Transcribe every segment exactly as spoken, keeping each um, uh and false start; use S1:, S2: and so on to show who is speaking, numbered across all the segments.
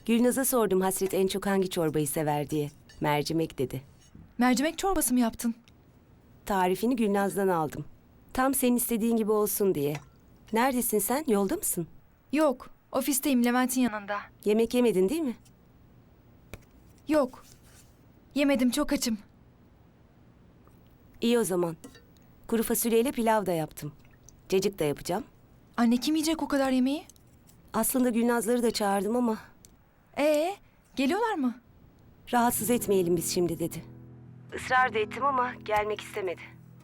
S1: Gülnaz'a sordum Hasret en çok hangi çorbayı sever diye. Mercimek dedi.
S2: Mercimek çorbası mı yaptın?
S1: Tarifini Gülnaz'dan aldım. Tam senin istediğin gibi olsun diye. Neredesin sen? Yolda mısın?
S2: Yok, ofisteyim Levent'in yanında.
S1: Yemek yemedin değil mi?
S2: Yok, yemedim, çok açım.
S1: İyi o zaman. Kuru fasulyeyle pilav da yaptım. Cacık da yapacağım.
S2: Anne kim yiyecek o kadar yemeği?
S1: Aslında Gülnazları da çağırdım ama
S2: Ee, geliyorlar mı?
S1: rahatsız etmeyelim biz şimdi dedi. Israr da ettim ama gelmek istemedi.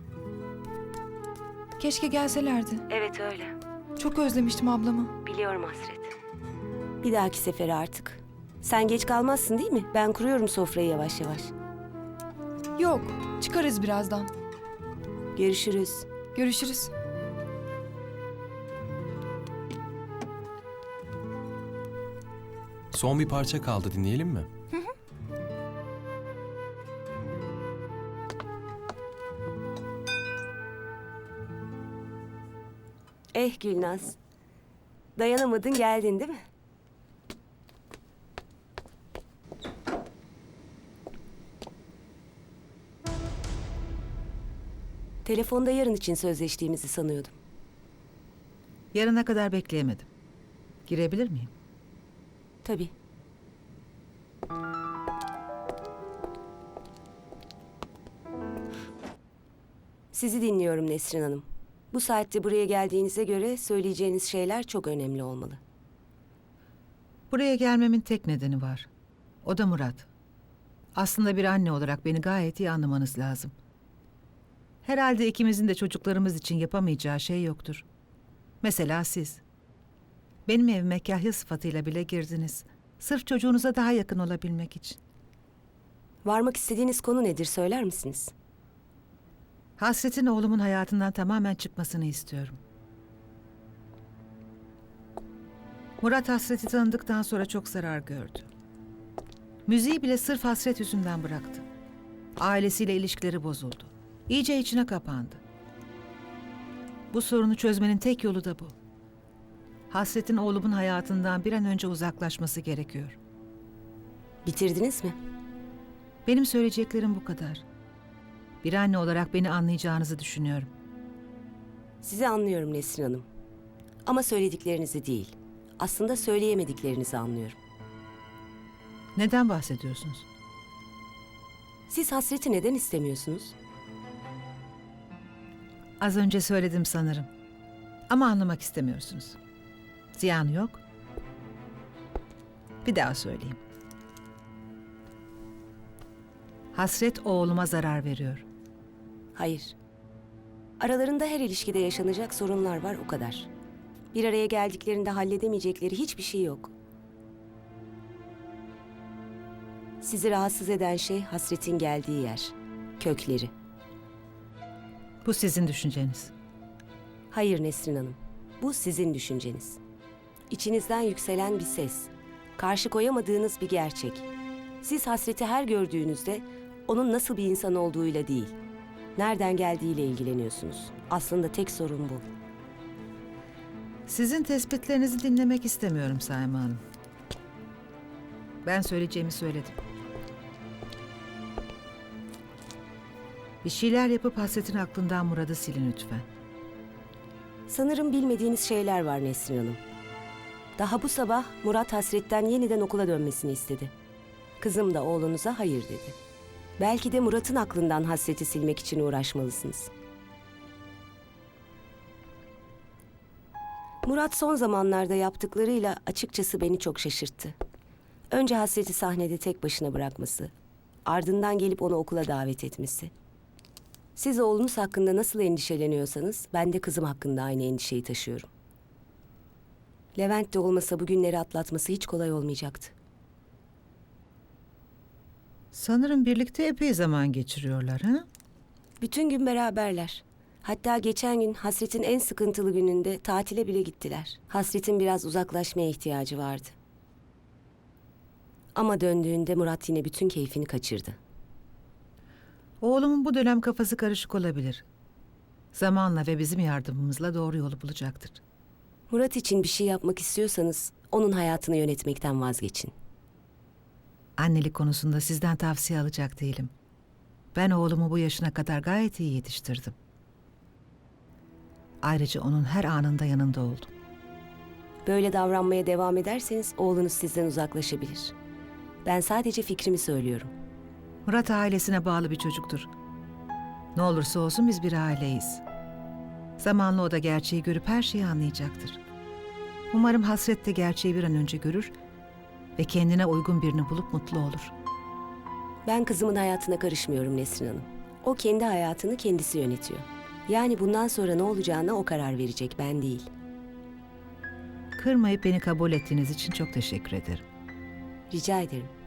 S2: Keşke gelselerdi.
S1: Evet öyle.
S2: Çok özlemiştim ablamı.
S1: Biliyorum Hasret. Bir dahaki sefere artık. Sen geç kalmazsın değil mi? Ben kuruyorum sofrayı yavaş yavaş.
S2: Yok, çıkarız birazdan.
S1: Görüşürüz.
S2: Görüşürüz.
S3: Son bir parça kaldı, dinleyelim mi?
S1: Eh Gülnaz. Dayanamadın geldin değil mi? Telefonda yarın için sözleştiğimizi sanıyordum.
S4: Yarına kadar bekleyemedim. Girebilir miyim?
S1: Tabii. Sizi dinliyorum Nesrin Hanım. Bu saatte buraya geldiğinize göre söyleyeceğiniz şeyler çok önemli olmalı.
S4: Buraya gelmemin tek nedeni var. O da Murat. Aslında bir anne olarak beni gayet iyi anlamanız lazım. Herhalde ikimizin de çocuklarımız için yapamayacağı şey yoktur. Mesela siz. Benim evime kahya sıfatıyla bile girdiniz. Sırf çocuğunuza daha yakın olabilmek için.
S1: Varmak istediğiniz konu nedir söyler misiniz?
S4: Hasret'in oğlumun hayatından tamamen çıkmasını istiyorum. Murat Hasret'i tanıdıktan sonra çok zarar gördü. Müziği bile sırf Hasret yüzünden bıraktı. Ailesiyle ilişkileri bozuldu. İyice içine kapandı. Bu sorunu çözmenin tek yolu da bu. Hasret'in oğlumun hayatından bir an önce uzaklaşması gerekiyor.
S1: Bitirdiniz mi?
S4: Benim söyleyeceklerim bu kadar. Bir anne olarak beni anlayacağınızı düşünüyorum.
S1: Sizi anlıyorum Nesrin Hanım. Ama söylediklerinizi değil. Aslında söyleyemediklerinizi anlıyorum.
S4: Neden bahsediyorsunuz?
S1: Siz Hasret'i neden istemiyorsunuz?
S4: Az önce söyledim sanırım. Ama anlamak istemiyorsunuz. Ziyanı yok. Bir daha söyleyeyim. Hasret oğluma zarar veriyor.
S1: Hayır. Aralarında her ilişkide yaşanacak sorunlar var o kadar. Bir araya geldiklerinde halledemeyecekleri hiçbir şey yok. Sizi rahatsız eden şey Hasret'in geldiği yer, kökleri.
S4: Bu sizin düşünceniz.
S1: Hayır Nesrin Hanım, bu sizin düşünceniz. İçinizden yükselen bir ses, karşı koyamadığınız bir gerçek. Siz Hasret'i her gördüğünüzde onun nasıl bir insan olduğuyla değil, nereden geldiğiyle ilgileniyorsunuz. Aslında tek sorun bu.
S4: Sizin tespitlerinizi dinlemek istemiyorum Saima Hanım. Ben söyleyeceğimi söyledim. Bir şeyler yapıp Hasret'in aklından Murat'ı silin lütfen.
S1: Sanırım bilmediğiniz şeyler var Nesrin Hanım. Daha bu sabah Murat Hasret'ten yeniden okula dönmesini istedi. Kızım da oğlunuza hayır dedi. Belki de Murat'ın aklından Hasret'i silmek için uğraşmalısınız. Murat son zamanlarda yaptıklarıyla açıkçası beni çok şaşırttı. Önce Hasret'i sahnede tek başına bırakması, ardından gelip onu okula davet etmesi. Siz oğlunuz hakkında nasıl endişeleniyorsanız ben de kızım hakkında aynı endişeyi taşıyorum. Levent de olmasa bu günleri atlatması hiç kolay olmayacaktı.
S4: Sanırım birlikte epey zaman geçiriyorlar, ha?
S1: Bütün gün beraberler. Hatta geçen gün Hasret'in en sıkıntılı gününde tatile bile gittiler. Hasret'in biraz uzaklaşmaya ihtiyacı vardı. Ama döndüğünde Murat yine bütün keyfini kaçırdı.
S4: Oğlumun bu dönem kafası karışık olabilir. Zamanla ve bizim yardımımızla doğru yolu bulacaktır.
S1: Murat için bir şey yapmak istiyorsanız onun hayatını yönetmekten vazgeçin.
S4: Annelik konusunda sizden tavsiye alacak değilim. Ben oğlumu bu yaşına kadar gayet iyi yetiştirdim. Ayrıca onun her anında yanında oldum.
S1: Böyle davranmaya devam ederseniz oğlunuz sizden uzaklaşabilir. Ben sadece fikrimi söylüyorum.
S4: Murat ailesine bağlı bir çocuktur. Ne olursa olsun biz bir aileyiz. Zamanla o da gerçeği görüp her şeyi anlayacaktır. Umarım Hasret de gerçeği bir an önce görür ve kendine uygun birini bulup mutlu olur.
S1: Ben kızımın hayatına karışmıyorum Nesrin Hanım. O kendi hayatını kendisi yönetiyor. Yani bundan sonra ne olacağına o karar verecek, ben değil.
S4: Kırmayıp beni kabul ettiğiniz için çok teşekkür ederim.
S1: Rica ederim.